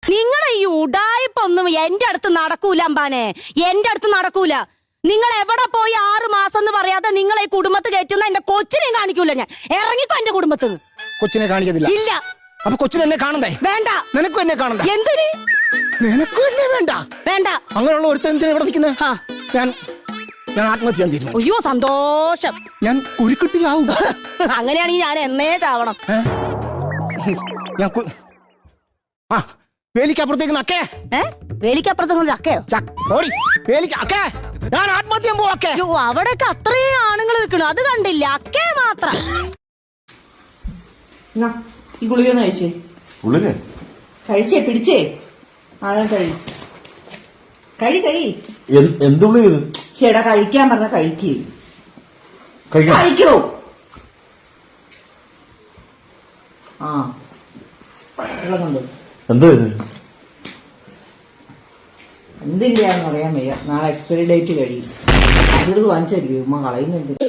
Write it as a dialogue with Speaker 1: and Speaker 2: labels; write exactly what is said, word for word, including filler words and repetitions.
Speaker 1: നിങ്ങളെ ഈ ഉടായിപ്പൊന്നും എന്റെ അടുത്ത് നടക്കൂല അമ്പാനെ, എന്റെ അടുത്ത് നടക്കൂല. നിങ്ങൾ എവിടെ പോയി ആറ് മാസം എന്ന് പറയാതെ നിങ്ങളെ ഈ കുടുംബത്ത് കയറ്റുന്ന എന്റെ കൊച്ചിനെയും കാണിക്കൂല ഞാൻ. ഇറങ്ങിക്കോ എന്റെ കുടുംബത്ത്.
Speaker 2: കൊച്ചിനെ കാണിക്കത്തില്ല?
Speaker 1: ഇല്ല.
Speaker 2: അപ്പൊ കൊച്ചിനെ എന്നെ കാണണ്ടേ? വേണ്ട. നിനക്കും എന്നെ കാണണ്ട?
Speaker 1: എന്തിന്?
Speaker 2: നിനക്കും എന്നെ വേണ്ട? വേണ്ട. അങ്ങനെയുള്ള ഒരുത്തൻ എന്തിനാ ഇവിടെ നിൽക്കുന്നത്? ഞാൻ ഞാൻ ആത്മഹത്യ ചെയ്യാൻ തീരുമാനിച്ചു.
Speaker 1: അയ്യോ സന്തോഷം.
Speaker 2: ഞാൻ കുരുക്കുട്ടിയാവും.
Speaker 1: അങ്ങനെയാണെങ്കിൽ ഞാൻ എന്നേ ചാവണം.
Speaker 2: ഞാൻ ആ വേലിക്കപ്പുറത്തേക്ക് നക്കേ.
Speaker 1: വേലിക്കപ്പുറത്തേക്ക് ചക്കയോ?
Speaker 2: വേലിക്ക് ഞാൻ ആത്മഹത്യ പോക്കെ.
Speaker 1: അവിടെയൊക്കെ അത്രയും ആണുങ്ങൾ നിൽക്കണു, അത് കണ്ടില്ല. അക്കേ മാത്രം.
Speaker 3: ഈ ഗുളികയൊന്ന് കഴിച്ചേ.
Speaker 4: ഗുളിക
Speaker 3: കഴിച്ചേ, പിടിച്ചേ. ആ കഴി കഴി കഴി
Speaker 4: എന്ത് ഗുളിക?
Speaker 3: ചേട്ടാ കഴിക്കാൻ പറഞ്ഞ കഴിക്കേ. കഴിക്കോ? ആ വെള്ളം കൊണ്ടു.
Speaker 4: എന്താ ഇത്?
Speaker 3: എന്തില്ലാന്ന് അറിയാൻ വയ്യ. നാളെ എക്സ്പയറി ഡേറ്റ് കഴിയും. അതിലത് വാങ്ങിച്ചായിരിക്കും ഉമ്മ കളയുന്നുണ്ട്.